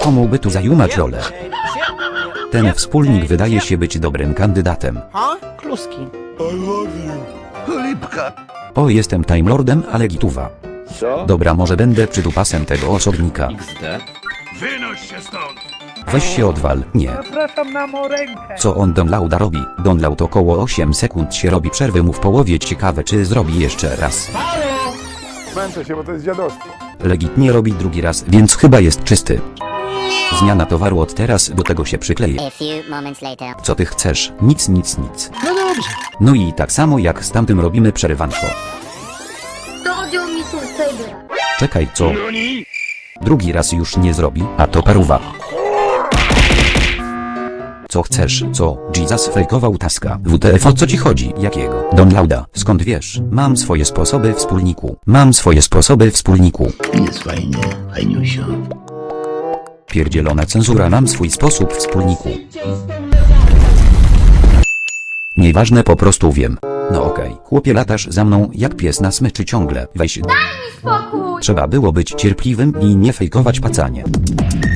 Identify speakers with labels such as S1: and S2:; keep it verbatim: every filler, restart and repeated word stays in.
S1: komu by tu zajumać rolę? Ten wspólnik wydaje się być dobrym kandydatem.
S2: Kluski.
S3: Chlipka.
S1: O, jestem Time Lordem, ale gituwa.
S2: Co?
S1: Dobra, może będę przytupasem tego osobnika.
S2: X D.
S3: Wynoś się stąd.
S1: Weź się odwal, nie.
S4: Zapraszam na morękę.
S1: Co on Donlauda robi? Donlaud około osiem sekund się robi przerwy mu w połowie, ciekawe czy zrobi jeszcze raz.
S5: Męczę się, bo to jest dziadostwo.
S1: Legitnie robi drugi raz, więc chyba jest czysty. Zmiana towaru od teraz do tego się przykleje.
S6: A few moments later.
S1: Co ty chcesz? Nic, nic, nic.
S2: No dobrze.
S1: No i tak samo jak z tamtym robimy przerywanko. Czekaj, co? Drugi raz już nie zrobi, a to paruwa. Co chcesz, co? Jesus fejkował taska. W T F o co ci chodzi? Jakiego? Donlauda, skąd wiesz? Mam swoje sposoby wspólniku. Mam swoje sposoby wspólniku.
S3: Jest fajnie, fajniusio.
S1: Pierdzielona cenzura, mam swój sposób wspólniku. Nieważne, po prostu wiem. No okej, chłopie, latasz za mną jak pies na smyczy ciągle. Weź.
S7: Spokój!
S1: Trzeba było być cierpliwym i nie fejkować pacanie.